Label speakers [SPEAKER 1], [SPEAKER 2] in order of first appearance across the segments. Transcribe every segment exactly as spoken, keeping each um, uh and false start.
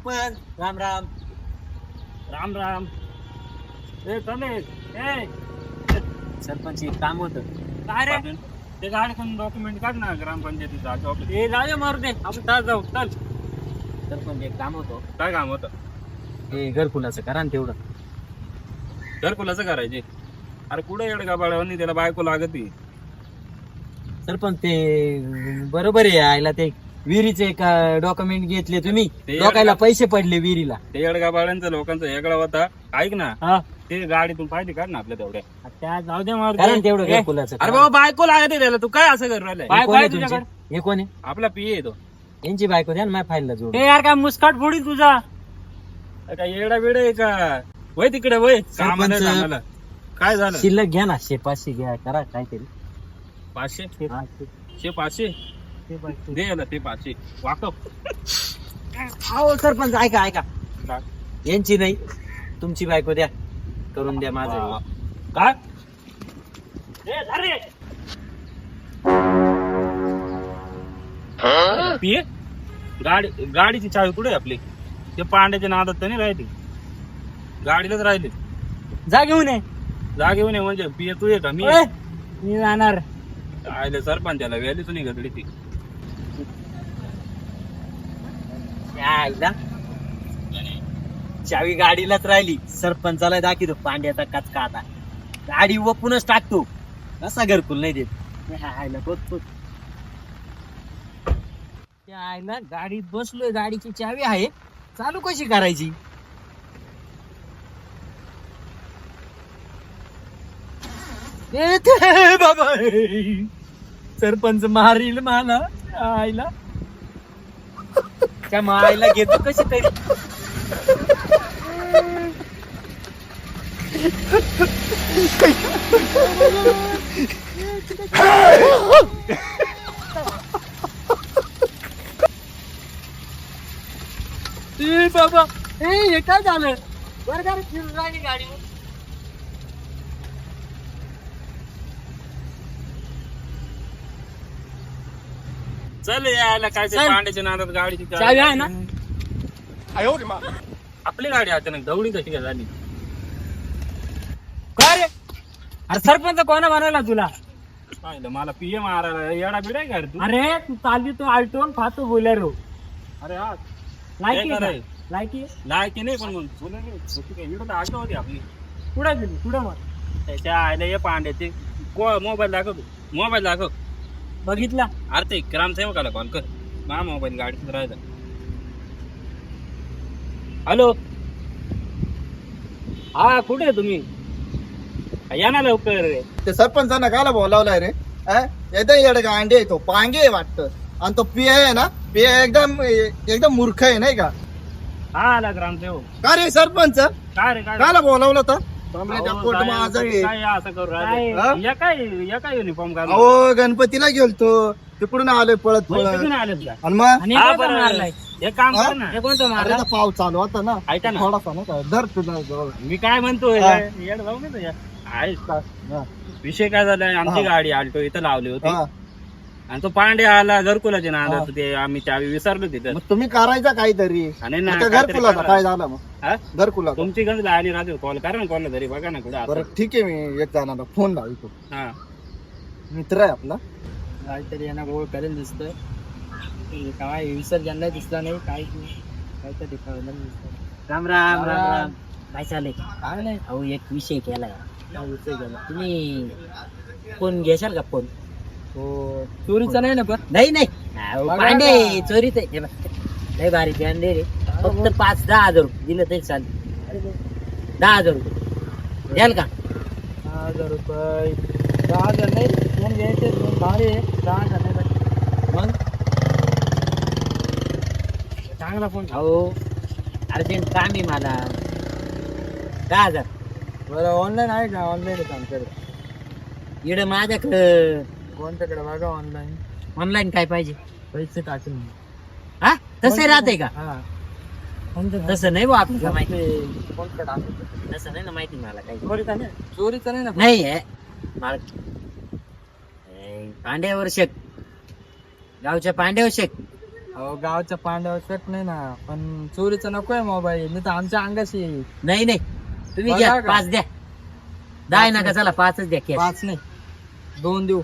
[SPEAKER 1] सरपंच राम राम.
[SPEAKER 2] राम राम. ए चले ए
[SPEAKER 1] सरपंच एक काम होतं.
[SPEAKER 2] काय रे ते गाडीतून डॉक्युमेंट काढ ना ग्रामपंचायतीचा ऑफिस. ए जाऊ मारू दे आपण तास जाऊ चल.
[SPEAKER 1] सरपंच एक काम होतं.
[SPEAKER 2] काय काम होतं?
[SPEAKER 1] हे घरकुलाचं करा ना तेवढं.
[SPEAKER 2] घरकुलाचं करायचे? अरे कुठे येड का बाळावणी त्याला बायको लागती.
[SPEAKER 1] सरपंच ते बरोबर आहे आयला ते विहिरीचे डॉक्युमेंट घेतले तुम्ही
[SPEAKER 2] ते
[SPEAKER 1] लोकायला पैसे पडले विहिरीला.
[SPEAKER 2] ते येडगा बाळांचं लोकांचं वेगळा होता. ऐक ना
[SPEAKER 1] हा
[SPEAKER 2] ते गाडीतून पाहिजे काढ ना आपल्या तेवढ्या.
[SPEAKER 1] त्या जाऊ दे मारू दे तेवढं घरकुलाचं.
[SPEAKER 2] अरे बाबा बायको लागते त्याला तू काय असं कर राहिलाय?
[SPEAKER 1] हे कोण आहे तुमचे? हे कोण आहे?
[SPEAKER 2] आपला पिये येतो.
[SPEAKER 1] यांची बायको द्या ना माझ्या फाईलला जोड.
[SPEAKER 2] यार काय मुस्काट फोडी तुझा काय येडा बिड आहे का? वय तिकडे वय कामाला
[SPEAKER 1] सरपंच.
[SPEAKER 2] कामाला. काय झालं?
[SPEAKER 1] शिल्लक घ्या ना शे पाचशे घ्या करा काहीतरी.
[SPEAKER 2] पाचशे
[SPEAKER 1] हा,
[SPEAKER 2] शे पाचशे
[SPEAKER 1] ते पाचशे.
[SPEAKER 2] दे याला ते पाचशे वाकप.
[SPEAKER 1] हो सरपंच ऐका ऐका यांची नाही तुमची बायको द्या करून द्या माझं.
[SPEAKER 2] काय पिये गाडी गाडीची चावी कुठे आहे आपली? ते पांड्याच्या नादात तर नाही राहिली, गाडीलाच राहिली.
[SPEAKER 1] जा घेऊन ये.
[SPEAKER 2] जा घेऊन ये म्हणजे पिये तू ये का मी?
[SPEAKER 1] ओय, मी जाणार.
[SPEAKER 2] आयले सरपंचाला व्हॅलीच नाही गदडी ती.
[SPEAKER 1] यायला. चावी गाडीलाच राहिली. सरपंचाला दाखवतो पांड्याचा कचका आता. गाडी वपूनच टाकतो. कसा घरकुल नाही देत. यायला बघतो. यायला गाडीत बसलोय, गाडीची चावी आहे, चालू कशी करायची? ए ते बाबा सरपंच मारील मला. आईला त्या मायला घेतो कशी तरी. ए बाबा ए हे काय झालं? बरं का रे, फिरून राहिली गाडी.
[SPEAKER 2] चल यायला काय ते
[SPEAKER 1] चल.
[SPEAKER 2] पांड्याच्या नादात गाडीची
[SPEAKER 1] चावी आहे ना?
[SPEAKER 2] आपली गाडी अचानक दौडी कशी काय झाली?
[SPEAKER 1] काय रे? अरे सरपंच कोणा बनवला तुला?
[SPEAKER 2] पाहिलं मला पिये मारायला येडा बिडाय का रे तू?
[SPEAKER 1] अरे तू चालली तो आल्टोन फातो बोलेरो.
[SPEAKER 2] अरे हा
[SPEAKER 1] लायकी
[SPEAKER 2] काय
[SPEAKER 1] आहे
[SPEAKER 2] कराय?
[SPEAKER 1] का? लायकी आहे?
[SPEAKER 2] लायकी नाही पण मग तुला नाही होती काय? इकडं तर आठवण होती आपली.
[SPEAKER 1] कुठं गेली कुठं मग?
[SPEAKER 2] त्याच्या आयला ये पांड्याचे मोबाईल दाखव तू. मोबाईल दाखव.
[SPEAKER 1] बघितला.
[SPEAKER 2] अरे ते ग्रामसेवकाला कॉल कर. मा मोबाईल गाडीत राहिला. हॅलो हा कुठे आहे तुम्ही? या ना लवकर.
[SPEAKER 3] ते सरपंचांना काला बोलावलाय रे? एकदम येडगा अंडे आहे तो, पांगे आहे वाटतं. आणि तो पिया आहे ना, पिया एकदम एकदम मूर्ख आहे नाही का?
[SPEAKER 2] हा आला ग्रामसेवक.
[SPEAKER 3] का रे सरपंच
[SPEAKER 2] काय रे काय
[SPEAKER 3] काला बोलावलं तर?
[SPEAKER 2] अहो,
[SPEAKER 3] पोट
[SPEAKER 2] काय-
[SPEAKER 3] आजारी
[SPEAKER 2] काय असं करू
[SPEAKER 3] हा?
[SPEAKER 2] राहिले? या काय या काय युनिफॉर्म घालून?
[SPEAKER 3] अहो गणपतीला गेलतो तिकडून आलोय पळत
[SPEAKER 2] म्हणजे
[SPEAKER 3] पळत.
[SPEAKER 2] तिथून आलेत का?
[SPEAKER 3] आणि मग
[SPEAKER 1] आणि
[SPEAKER 2] हा,
[SPEAKER 1] कोणता
[SPEAKER 2] बरं.
[SPEAKER 1] मारलाय?
[SPEAKER 2] एक काम
[SPEAKER 3] हा?
[SPEAKER 2] कर ना.
[SPEAKER 1] हे कोणता
[SPEAKER 3] अरे
[SPEAKER 1] मारला?
[SPEAKER 3] तो पाऊस चालू होता ना,
[SPEAKER 2] ऐका ना
[SPEAKER 3] थोडासा ना काय धर तुझा जवळ.
[SPEAKER 2] मी काय म्हणतोय
[SPEAKER 3] हा.
[SPEAKER 2] येड जाऊ नये तुझ्या. आहेस का?
[SPEAKER 3] हा.
[SPEAKER 2] विषय काय झालाय? आमची
[SPEAKER 3] हा.
[SPEAKER 2] गाडी आल्टो इथं लावली होती
[SPEAKER 3] हा.
[SPEAKER 2] आणि तो पांडे आला घरकुलाचे ना
[SPEAKER 3] हा.
[SPEAKER 2] ते आम्ही चावी विसरलो तिथं.
[SPEAKER 3] मग तुम्ही करायचा काहीतरी.
[SPEAKER 2] आणि ना
[SPEAKER 3] आता
[SPEAKER 2] काहीतरी
[SPEAKER 3] घरकुलाचा
[SPEAKER 2] करा.
[SPEAKER 3] काय झालं मग?
[SPEAKER 2] हा?
[SPEAKER 3] घरकुला
[SPEAKER 2] तुमची गंज आली राहते कॉल करा ना कॉल तरी बघा ना कुठे
[SPEAKER 3] बरं ठीक आहे, मी एक जणाला फोन लावतो.
[SPEAKER 2] हा
[SPEAKER 3] मित्र आहे आपला.
[SPEAKER 1] काहीतरी यांना गोळ करेल दिसतोय. हे काय विसर्जनला दिसला नाही काय काहीतरी कळलं नाही दिसतंय. राम राम राम राम. काय चालेल?
[SPEAKER 3] काय नाही
[SPEAKER 1] अहो एक विषय केलाय. काय विषय केला? तुम्ही फोन घेशाल का फोन?
[SPEAKER 3] हो.
[SPEAKER 1] चोरीचा नाही ना पण? नाही नाही अहो, पांडे चोरीच आहे. हे बघ, लय भारी पांडे रे. फक्त पाच दहा हजार रुपये दिलं तरी चालेल. दहा हजार रुपये द्याल का?
[SPEAKER 3] दहा हजार रुपये दहा हजार नाही फोन घ्यायचे दोन भारी आहे. दहा हजार नाही पाहिजे.
[SPEAKER 1] मग
[SPEAKER 3] चांगला फोन.
[SPEAKER 1] अहो अर्जंट काम आहे मला. दहा हजार
[SPEAKER 3] बरं ऑनलाईन आहे का? ऑनलाईन आहे आमच्याकडे.
[SPEAKER 1] इकडं माझ्याकडं
[SPEAKER 3] कोणत्याकडे बघा ऑनलाईन.
[SPEAKER 1] ऑनलाईन काय पाहिजे?
[SPEAKER 3] पैसे टाकून.
[SPEAKER 1] हा तसं राहते का?
[SPEAKER 3] हा.
[SPEAKER 1] तसं नाही बा आपल्याला माहिती.
[SPEAKER 3] कोणतं टाकून?
[SPEAKER 1] तसं नाही ना माहिती मला काही.
[SPEAKER 3] चोरीचा नाही. चोरीचा नाही ना.
[SPEAKER 1] नाही आहे मला. ए, पांड्यावर शेक गावच्या पांड्यावर शेक
[SPEAKER 4] अहो गावच्या पांड्यावर शक नाही ना, पण चोरीचा नकोय मोबाईल, नाही तर आमच्या अंगाशी येईल.
[SPEAKER 1] नाही नाही तुम्ही
[SPEAKER 4] बघा
[SPEAKER 1] घ्या
[SPEAKER 4] का?
[SPEAKER 1] पाच द्या. दहा आहे नका, चला पाचच द्या cash.
[SPEAKER 4] पाच नाही दोन देऊ.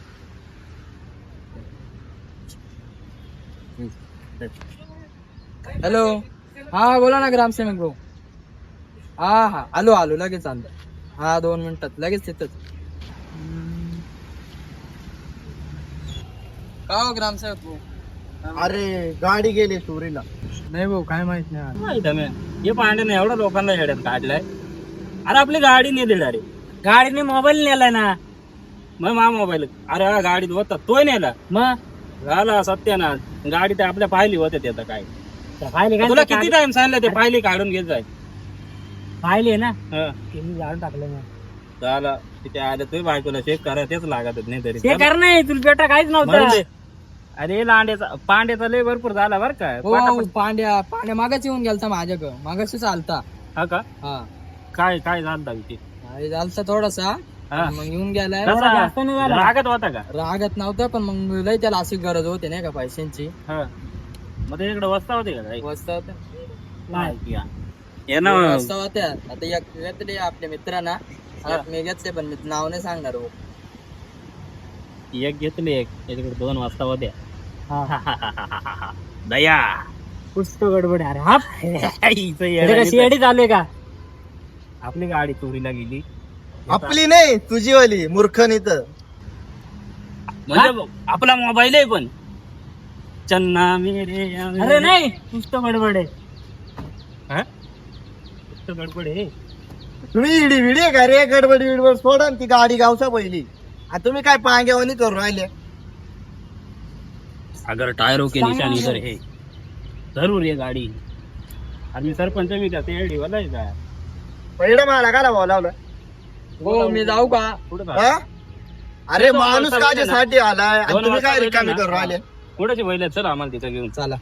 [SPEAKER 4] हॅलो, हा बोला ना ग्रामसेवक भाऊ. हा हा आलो आलो लगेच आलो. हा दोन मिनिटात लगेच तिथंच. का हो ग्रामसेवक भाऊ?
[SPEAKER 3] अरे गाडी गेली चोरीला.
[SPEAKER 4] नाही भाऊ काय माहित नाही.
[SPEAKER 2] माहित आहे मी. हे पांड्याने एवढ्या लोकांना येड्यात काढलाय. अरे आपली गाडी नाही दिली अरे.
[SPEAKER 1] गाडीने मोबाईल नेलाय ना.
[SPEAKER 2] मग मा मोबाईल अरे हा गाडीत होता तोय नेला.
[SPEAKER 1] मग
[SPEAKER 2] झाला सत्यानाश. गाडी ते आपल्या पाहिली होते ते आता काय.
[SPEAKER 1] पाहिले का?
[SPEAKER 2] तुला किती टाइम सांगितलं ते पाहिली काढून घेत जाय.
[SPEAKER 1] पाहिले ना,
[SPEAKER 2] हं.
[SPEAKER 1] त्यांनी जाळून टाकलं ना.
[SPEAKER 2] झाला तिथे आलं तुम्ही बायकोला चेक करा तेच लागतच नाही तरी.
[SPEAKER 1] ते कर नाही, तुला पेटा काहीच
[SPEAKER 2] म्हणून
[SPEAKER 1] नव्हतं.
[SPEAKER 2] ते. अरे लांड्याचा पांड्याचा लय भरपूर झाला बर का.
[SPEAKER 4] हो
[SPEAKER 2] पटापट-
[SPEAKER 4] पांड्या पांड्या मागाच येऊन गेलता माझ्याकडं, मागाशीच आलता.
[SPEAKER 2] हा का
[SPEAKER 4] हा
[SPEAKER 2] काय काय झालं विषय?
[SPEAKER 4] अरे आलता थोडासा,
[SPEAKER 2] हा.
[SPEAKER 4] मग येऊन गेलाय.
[SPEAKER 2] कसा?
[SPEAKER 1] जास्त नाही झाला.
[SPEAKER 2] रागत होता का?
[SPEAKER 4] रागत नव्हता, पण मग लय त्याला अशी गरज होती नाही का पैशांची.
[SPEAKER 2] हा. मग ते इकडे वस्ता होते का काही?
[SPEAKER 4] वस्ता होत्या.
[SPEAKER 2] नाही या. ये ना
[SPEAKER 4] वस्ता होत्या. आता एक घेतले आपल्या मित्रांना,
[SPEAKER 2] हा.
[SPEAKER 4] मी घेतले पण मी नाव नाही सांगणार हो.
[SPEAKER 2] एक घेतली एक याच्याकडे दोन वाजता होत्या.
[SPEAKER 1] हा.
[SPEAKER 2] दया
[SPEAKER 1] पुस्तक गडबड आहे. अरे हा
[SPEAKER 2] हिचं
[SPEAKER 1] इथे
[SPEAKER 2] येडं
[SPEAKER 1] कशी येडी चालू आहे का?
[SPEAKER 2] आपली गाडी चोरीला गेली
[SPEAKER 3] आपली नाही तुझीवाली मूर्खनी तर.
[SPEAKER 2] म्हणजे आपला मोबाईल आहे पण चन्ना मेरे
[SPEAKER 1] अरे नाही, पुस्तक गडबड आहे.
[SPEAKER 2] हा? फक्त गडबड आहे.
[SPEAKER 3] तुम्ही इडी विडी का रे? गडबड विडबड सोडा ना ती गाडी गावचा पहिली. आ तुम्ही काय पांग्यावानी करून राहिले?
[SPEAKER 2] अगर टायरों के निशान इधर है जरूर ये गाडी. आणि सरपंच मी का ते एडी वाला आहे का?
[SPEAKER 3] पहिलं मला का बोलावलं?
[SPEAKER 4] हो मी जाऊ का?
[SPEAKER 2] कुठं
[SPEAKER 3] हा? अरे
[SPEAKER 2] दोन
[SPEAKER 3] माणूस
[SPEAKER 2] वाजता
[SPEAKER 3] काच्यासाठी आलाय आणि
[SPEAKER 2] दोन
[SPEAKER 3] तुम्ही काय
[SPEAKER 2] वाजता
[SPEAKER 3] रिकामी
[SPEAKER 2] ना?
[SPEAKER 3] करून राहिले?
[SPEAKER 2] कुणाची बैल आहेत? चल आम्हाला तिथं घेऊन.
[SPEAKER 4] चला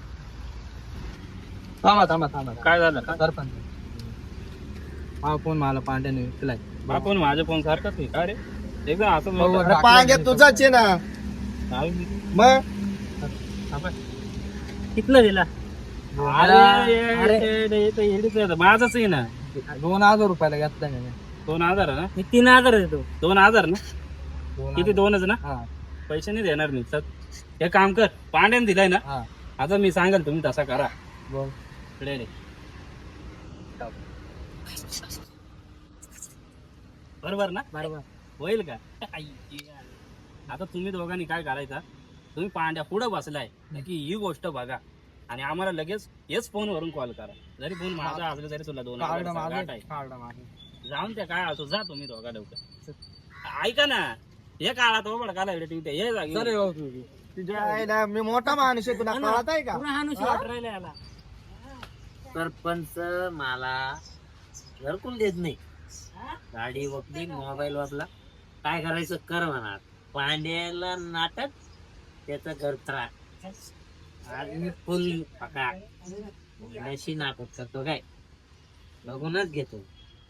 [SPEAKER 4] थांबा थांबा थांबा.
[SPEAKER 2] काय झालं?
[SPEAKER 4] सरपंच हा फोन मला पांड्याने विकलाय.
[SPEAKER 2] आपण माझ्या फोन सारखाच आहे का रे? एकदा असं
[SPEAKER 4] हो,
[SPEAKER 2] नव्हतं.
[SPEAKER 3] अरे पांग्या तुझाच आहे ना.
[SPEAKER 2] नाही.
[SPEAKER 3] मग
[SPEAKER 2] आपण-
[SPEAKER 1] कितलं दिला?
[SPEAKER 2] अरे
[SPEAKER 1] अरे.
[SPEAKER 2] ये- ये- ये- येडीच आहे. माझंच आहे ना.
[SPEAKER 4] दोन हजार रुपयाला घेतला मी.
[SPEAKER 2] दोन हजार आहे ना?
[SPEAKER 1] मी तीन हजार देतो.
[SPEAKER 2] दोन हजार ना?
[SPEAKER 4] दोन
[SPEAKER 2] किती
[SPEAKER 4] हजार.
[SPEAKER 2] दोनच ना?
[SPEAKER 4] हा
[SPEAKER 2] पैसे नाही देणार मी. चल हे काम कर. पांड्याने दिलाय ना?
[SPEAKER 4] हा
[SPEAKER 2] आता मी सांगाल तुम्ही तसा करा.
[SPEAKER 4] बोल.
[SPEAKER 2] इकडे रे. बरोबर ना?
[SPEAKER 1] बरोबर.
[SPEAKER 2] होईल का? आई, आता तुम्ही दोघांनी काय करायचं, तुम्ही पांड्या पुढे बसलाय की ही गोष्ट बघा आणि आम्हाला लगेच हेच फोनवरून कॉल करा. जरी फोन माझा असला तरी तुला दोन
[SPEAKER 4] कार्ड
[SPEAKER 2] हजाराचा गाठ
[SPEAKER 4] मागे
[SPEAKER 2] आहे.
[SPEAKER 4] कार्ड मागे.
[SPEAKER 2] जाऊन त्या काय असो जा तुम्ही दोघा लवकर. ऐका ना हे काळात हो बडा काला टिवते हे जागी
[SPEAKER 4] सर हो तू.
[SPEAKER 3] तुझ्या आईला मी मोठा माणूस आहे, तुला कळत आहे का?
[SPEAKER 1] पुन्हा हाणूशी वाट राहिला याला. सरपंच मला घरकुल देत नाही. गाडी वपली, मोबाईल वापला, काय करायचं कर म्हणा. पांड्याला नाटक, त्याचं घर त्रास. आज मी फुल पका पांड्याशी नाटक करतो काय बघूनच घेतो.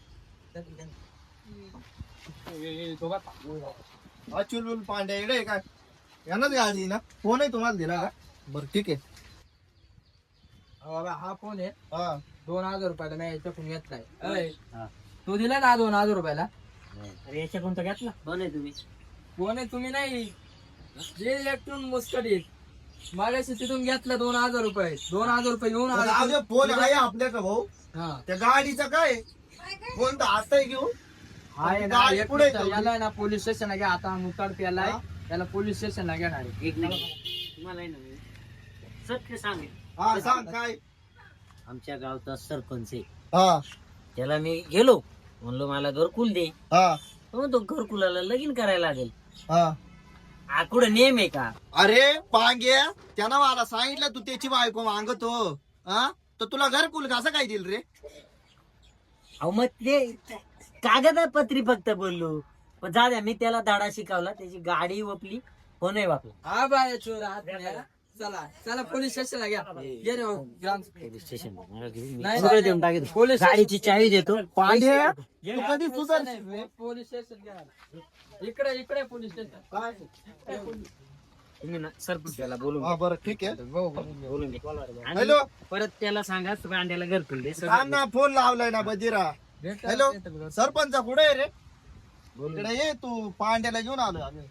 [SPEAKER 3] अचुल पांड्या इकडे आहे काय? यांनाच गाडी ना? फोन आहे तुम्हाला दिला का? बरं ठीक आहे.
[SPEAKER 4] अहो, बाबा, हा फोन आहे
[SPEAKER 3] हा
[SPEAKER 4] दोन हजार रुपयाला मी याच्याकडून घेतलाय. अय,
[SPEAKER 1] हा.
[SPEAKER 4] तू दिला ना दोन हजार रुपयाला.
[SPEAKER 1] अरे याच्या कोणता घेतला? कोण आहे तुम्ही?
[SPEAKER 4] फोन आहे तुम्ही नाही, जे एकटून मुस्कडीत मागाशी तिथून घेतला दोन हजार रुपये. दोन हजार रुपये घेऊन आला.
[SPEAKER 3] जाऊ दे, फोन आहे आपल्याकडे भाऊ.
[SPEAKER 4] हा
[SPEAKER 3] त्या गाडीचं काय? फोन तर आता घेऊ.
[SPEAKER 4] आहे ना,
[SPEAKER 3] गाडी
[SPEAKER 4] एक
[SPEAKER 3] पुढे
[SPEAKER 4] मिनिट,
[SPEAKER 3] ठेवली.
[SPEAKER 4] याला आहे ना पोलीस स्टेशनला घ्या. आता मुताड प्यालाय,
[SPEAKER 3] हा?
[SPEAKER 4] त्याला पोलीस स्टेशनला घेणार आहे.
[SPEAKER 1] एक मिनिट. तुम्हाला आहे ना मी सत्य सांगेल.
[SPEAKER 3] हा सांग काय?
[SPEAKER 1] आमच्या गावचा सरपंच आहे.
[SPEAKER 3] हा
[SPEAKER 1] त्याला मी गेलो म्हणलो मला घरकुल दे.
[SPEAKER 3] हा
[SPEAKER 1] तो म्हणतो घरकुलाला लगीन करायला लागेल.
[SPEAKER 3] हा
[SPEAKER 1] हा कुठं नेम आहे का?
[SPEAKER 3] अरे पांग्या, त्यानं मला सांगितलं तू त्याची बायको मागतो. हा तर तुला घरकुल कसं काय दिल रे?
[SPEAKER 1] अहो मग ते कागदपत्री फक्त बोललो. पण जा द्या, मी त्याला धडा शिकवला. त्याची गाडी वपली, फोनही वापला.
[SPEAKER 4] हा बाय चोर हात न्या. चला चला पोलीस स्टेशनला घ्या. ये रे हो, ग्राम
[SPEAKER 1] पोलीस स्टेशन
[SPEAKER 4] नाही,
[SPEAKER 1] सगळं देऊन टाकेल.
[SPEAKER 4] पोलीस
[SPEAKER 1] गाडीची चावी देतो.
[SPEAKER 3] पांड्या तू कधी सुधार
[SPEAKER 4] पोलीस स्टेशन घ्या. इकडे इकडे पोलीस स्टेशन.
[SPEAKER 3] काय?
[SPEAKER 1] तुम्ही ना सरपंचाला बोलून
[SPEAKER 3] हा बरं ठीक आहे
[SPEAKER 1] बोलून घे. आणि
[SPEAKER 3] हॅलो
[SPEAKER 1] परत त्याला सांगा पांड्याला घरकुल दे
[SPEAKER 3] थांब ना फोन लावलाय ना बजीरा हॅलो सरपंच कुठे आहे रे इकडे ये तू पांड्याला घेऊन आलो आम्ही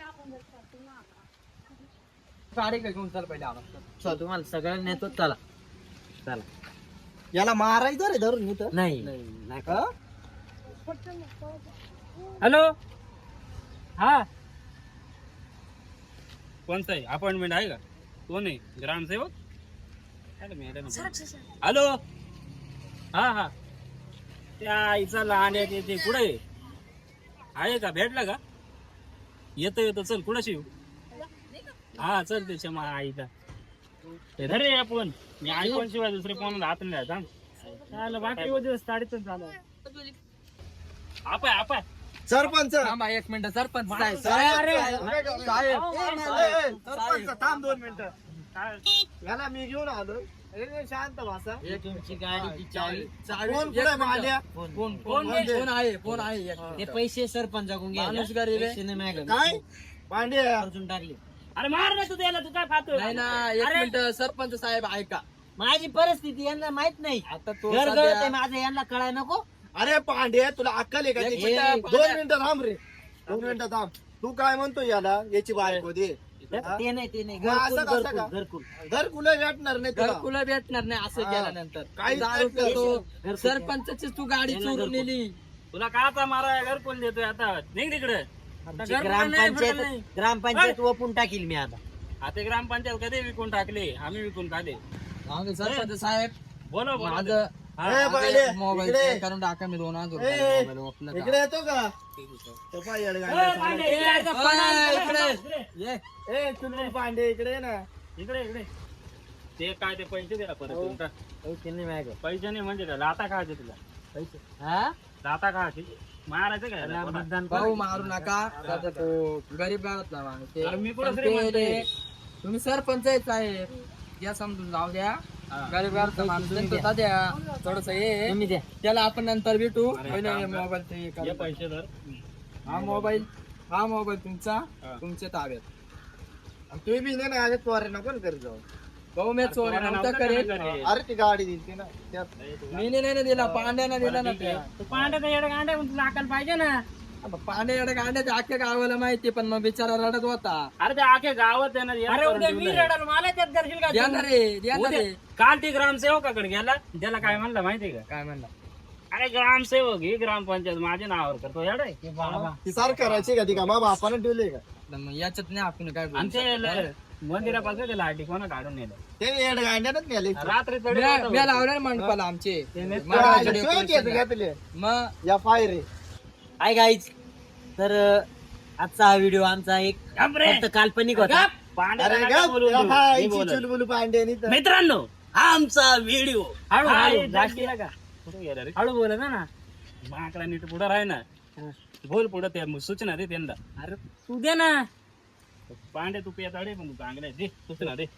[SPEAKER 4] गाडी का घेऊन चाल पहिले आवाज
[SPEAKER 1] चल, तुम्हाला सगळं नेतो चला चला
[SPEAKER 3] याला मारायचं रे धरून इथं
[SPEAKER 1] नाही नाही
[SPEAKER 3] हा?
[SPEAKER 2] हॅलो हा कोणता आहे अपॉइंटमेंट आहे का कोण आहे ग्रामसेवक अरे मॅडम हॅलो हा हा त्या आईचा लहान आहे ते कुठे आहे आहे का भेटला का येतो येतो चल कुणाशी येऊ हा चल त्याच्या मा आईचा ते धरे आपण मी आयफोन शिवाय दुसरे फोन हात नाही द्यायचा बाकी दिवस साडीतच झालं आपाय आपाय
[SPEAKER 3] सरपंच
[SPEAKER 4] थांबा एक मिनिट सरपंच साहेब
[SPEAKER 3] साहेब,
[SPEAKER 4] साहेब
[SPEAKER 3] साहेब,
[SPEAKER 4] साहेब.
[SPEAKER 3] ए, ए, सरपंच थांब दोन मिनिटं याला मी घेऊन आलो ए, शांत भाषा
[SPEAKER 1] तुमची गाडीची चावी
[SPEAKER 3] कोण कुठे मांड्या
[SPEAKER 1] फोन
[SPEAKER 4] फोन
[SPEAKER 3] फोन
[SPEAKER 4] फोन
[SPEAKER 3] दे.
[SPEAKER 4] फोन आहे फोन आहे एक
[SPEAKER 1] ते
[SPEAKER 4] मिनिट.
[SPEAKER 1] पैसे सरपंचाकडून घ्या
[SPEAKER 4] माणूस गरीब आहे.
[SPEAKER 1] पैसे नाही मागं.
[SPEAKER 3] काय पांड्या
[SPEAKER 1] खर्चून टाकले
[SPEAKER 2] अरे मार ना तू त्याला तू काय खातो
[SPEAKER 4] नाही ना एक मिनिट सरपंच साहेब ऐका
[SPEAKER 1] माझी परिस्थिती यांना माहित नाही
[SPEAKER 4] आता तो
[SPEAKER 1] घर घर
[SPEAKER 4] सध्या-
[SPEAKER 1] ते माझं यांना कळाय नको
[SPEAKER 3] अरे पांड्या तुला अक्कल आहे का
[SPEAKER 4] एक
[SPEAKER 3] त्याची?
[SPEAKER 4] मिनिटं,
[SPEAKER 3] दोन मिनिटं थांब रे दोन मिनिटं थांब तू काय म्हणतो याला याची बायको दे हा?
[SPEAKER 1] ते नाही ते नाही
[SPEAKER 3] मग असं
[SPEAKER 1] घरकुल
[SPEAKER 3] कसं का?
[SPEAKER 1] घरकुल घरकुल
[SPEAKER 3] घर कुला भेटणार नाही तुला
[SPEAKER 4] घरकुला भेटणार नाही असं
[SPEAKER 3] हा.
[SPEAKER 4] केल्यानंतर
[SPEAKER 3] काहीच
[SPEAKER 4] दारू
[SPEAKER 3] नाही
[SPEAKER 4] पितो
[SPEAKER 1] घरकुल.
[SPEAKER 4] सरपंचाची तू गाडी
[SPEAKER 1] यांना
[SPEAKER 4] चोरून
[SPEAKER 1] घरकुल.
[SPEAKER 4] नेली
[SPEAKER 2] तुला काचा मारा घर कोण देतोय आता निघ तिकडे
[SPEAKER 1] आमची ग्रामपंचायत ग्रामपंचायत ओपून टाकील मी आता
[SPEAKER 2] आता ग्रामपंचायत कधी विकून टाकले आम्ही विकून टाकले
[SPEAKER 4] आम्ही सरपंच साहेब
[SPEAKER 2] बोलो बोलो
[SPEAKER 4] माझं
[SPEAKER 3] ए, पांड्या,
[SPEAKER 4] मोबाईल
[SPEAKER 3] इकडे.
[SPEAKER 4] चेक करून टाका मी दोन हजार
[SPEAKER 3] ए,
[SPEAKER 4] रुपये मोबाईल वापरला का?
[SPEAKER 3] इकडे येतो का तो पाय येडगांड्या चालला.
[SPEAKER 4] ओय, इकडे ये.
[SPEAKER 3] ए चुलबुल पांडे इकडे ये ना
[SPEAKER 2] इकडे इकडे ते काय ते पैसे द्या परत तुमचा.
[SPEAKER 1] पैसे नाही मागं.
[SPEAKER 2] पैसे नाही म्हणजे काय लाता खायचे तुला पैसे
[SPEAKER 1] हा
[SPEAKER 2] लाता खायचे मारायचं काय
[SPEAKER 1] त्याला
[SPEAKER 2] याला?
[SPEAKER 1] मतदान
[SPEAKER 4] भाऊ मारू नका त्याचा तो गरीब गावातला माणूस आहे.
[SPEAKER 2] अरे मी कुठं
[SPEAKER 4] पण
[SPEAKER 2] श्रीमंत
[SPEAKER 4] ते-
[SPEAKER 2] आहे?
[SPEAKER 4] तुम्ही सरपंच आहे साहेब या समजून जाऊ द्या
[SPEAKER 2] हा.
[SPEAKER 4] गरीब गावातला माणूस आहे, तो द्या थोडस हे
[SPEAKER 1] तुम्ही द्या
[SPEAKER 4] त्याला आपण नंतर भेटू
[SPEAKER 2] अरे,
[SPEAKER 4] पहिले
[SPEAKER 2] काम कर.
[SPEAKER 4] मोबाईल ते
[SPEAKER 2] हे
[SPEAKER 4] करा.
[SPEAKER 2] पैसे धर
[SPEAKER 4] हा मोबाईल हा मोबाईल तुमचा
[SPEAKER 2] हा.
[SPEAKER 4] तुमच्या ताब्यात
[SPEAKER 3] तुम्ही बी नाही ना आले पोरे नको ना करत जाऊ
[SPEAKER 4] भाऊ मी चोरी
[SPEAKER 2] तुम्हाला
[SPEAKER 4] नव्हता
[SPEAKER 2] नव्हतं
[SPEAKER 4] करेल
[SPEAKER 2] का घरी?
[SPEAKER 3] अरे ती गाडी दिली ना त्यात
[SPEAKER 4] मी नाही ना दिला पांड्यानं दिला ना ते
[SPEAKER 2] तू पांड्याचा येडा गांड्या तुला अक्कल पाहिजे ना
[SPEAKER 4] आता पांड्या एवढ्या गांड्या अख्ख्या गावाला माहिती पण मग बिचारा रडत होता
[SPEAKER 2] अरे ते आखे गावात आहे ना येडा
[SPEAKER 1] अरे
[SPEAKER 2] करून
[SPEAKER 1] उद्या मी
[SPEAKER 2] ठेवलंय.
[SPEAKER 1] रडल मला त्यात करशील का तू?
[SPEAKER 4] देणार रे देणार
[SPEAKER 2] उद्या-
[SPEAKER 4] रे
[SPEAKER 2] काल ती ग्रामसेवकाकडे गेला त्याला काय म्हणलं माहितीये का
[SPEAKER 4] काय म्हणला
[SPEAKER 2] अरे ग्रामसेवक ही ग्रामपंचायत माझ्या नावावर करतो येडा आहे.
[SPEAKER 1] हे बाबा
[SPEAKER 3] ती सार करायची का ती का मग बापानं ठेवले का
[SPEAKER 4] तर मग याच्यात नाही आपण काय बोलू
[SPEAKER 2] आणि ते
[SPEAKER 4] शकत.
[SPEAKER 2] ल- मंदिरापासून ते लाठी कोणा काढून नेलं
[SPEAKER 3] ते येडगांड्यानच नेले
[SPEAKER 2] रात्री चढी
[SPEAKER 4] म्या-
[SPEAKER 2] होता
[SPEAKER 4] म्या
[SPEAKER 2] बघ.
[SPEAKER 4] लावणार मंडपाला आमचे
[SPEAKER 2] ते-
[SPEAKER 4] महाराजांच्या
[SPEAKER 3] शिवाय
[SPEAKER 4] decoration
[SPEAKER 3] केस
[SPEAKER 4] ला.
[SPEAKER 3] घेतले
[SPEAKER 4] मग
[SPEAKER 3] या पाय रे
[SPEAKER 1] हाय गाईज तर अं, आजचा हा व्हिडिओ आमचा एक
[SPEAKER 2] गप रे.
[SPEAKER 1] फक्त काल्पनिक होता
[SPEAKER 2] पांड्याला
[SPEAKER 3] अरे
[SPEAKER 2] नका
[SPEAKER 3] गा
[SPEAKER 2] बोलू देऊ. मी बोलत.
[SPEAKER 3] चुलबुल पांडे तर
[SPEAKER 2] मित्रांनो हा आमचा व्हिडिओ
[SPEAKER 1] हळू हळू
[SPEAKER 2] जास्त
[SPEAKER 1] जास्त
[SPEAKER 2] केला का कुठे गेला रे
[SPEAKER 1] हळू बोला ना
[SPEAKER 2] माकडा नीट पुढे राह ना बोल पुढे ते सूचना दे त्यांना
[SPEAKER 1] अरे तू दे ना
[SPEAKER 2] पांड्या तू पेताडे पण तू चांगला आहे. दे सूचना दे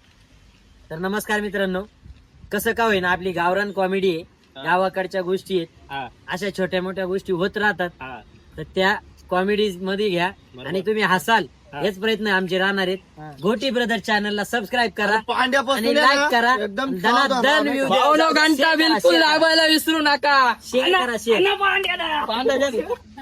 [SPEAKER 1] तर नमस्कार मित्रांनो कसं का होईना आपली गावरान कॉमेडी आहे गावाकडच्या गोष्टी आहेत
[SPEAKER 2] हा
[SPEAKER 1] अशा छोट्या मोठ्या गोष्टी होत राहतात
[SPEAKER 2] हा
[SPEAKER 1] तर त्या कॉमेडी मध्ये घ्या
[SPEAKER 2] बरोबर.
[SPEAKER 1] आणि तुम्ही हसाल
[SPEAKER 2] हा.
[SPEAKER 1] हेच प्रयत्न आमचे राहणार आहेत गोटी ब्रदर चॅनलला सबस्क्राईब करा
[SPEAKER 3] पांड्यापासून
[SPEAKER 1] आणि
[SPEAKER 3] आहे
[SPEAKER 1] लाईक
[SPEAKER 3] ना,
[SPEAKER 1] करा
[SPEAKER 3] एकदम
[SPEAKER 1] दनादन
[SPEAKER 3] सावधान
[SPEAKER 1] view
[SPEAKER 3] राहा.
[SPEAKER 1] द्या.
[SPEAKER 4] भाऊ घंटा
[SPEAKER 1] Share करा,
[SPEAKER 4] बिलकुल
[SPEAKER 1] share करा.
[SPEAKER 4] दाबायला विसरू नका
[SPEAKER 1] शेअर करा शेअर
[SPEAKER 2] अण्णा पांड्याला
[SPEAKER 1] पांढरा